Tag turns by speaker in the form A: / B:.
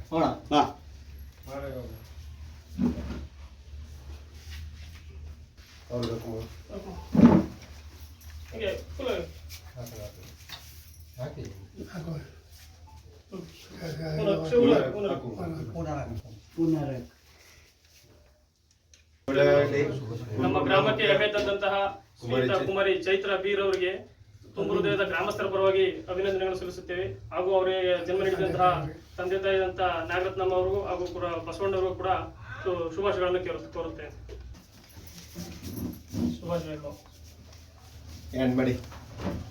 A: ನಮ್ಮ ಗ್ರಾಮಕ್ಕೆ ಹೆಮ್ಮೆ ತಂದಂತಹ ಶ್ರೀಯುತ ಕುಮಾರಿ ಚೈತ್ರ ಬೀರ್ ಅವರಿಗೆ ತುಂಬ ಹೃದಯದ ಗ್ರಾಮಸ್ಥರ ಪರವಾಗಿ ಅಭಿನಂದನೆಗಳನ್ನು ಸಲ್ಲಿಸುತ್ತೇವೆ. ಹಾಗೂ ಅವರಿಗೆ ಜನ್ಮ ನೀಡಿದಂತಹ ತಂದೆ ತಾಯಿದಂತಹ ನಾಗರತ್ನಮ್ಮ ಅವರಿಗೂ ಹಾಗೂ ಕೂಡ ಬಸವಣ್ಣವರು ಕೂಡ ಶುಭಾಶಯಗಳನ್ನು ಕೋರುತ್ತೇನೆ. ಶುಭಾಶಯಗಳು.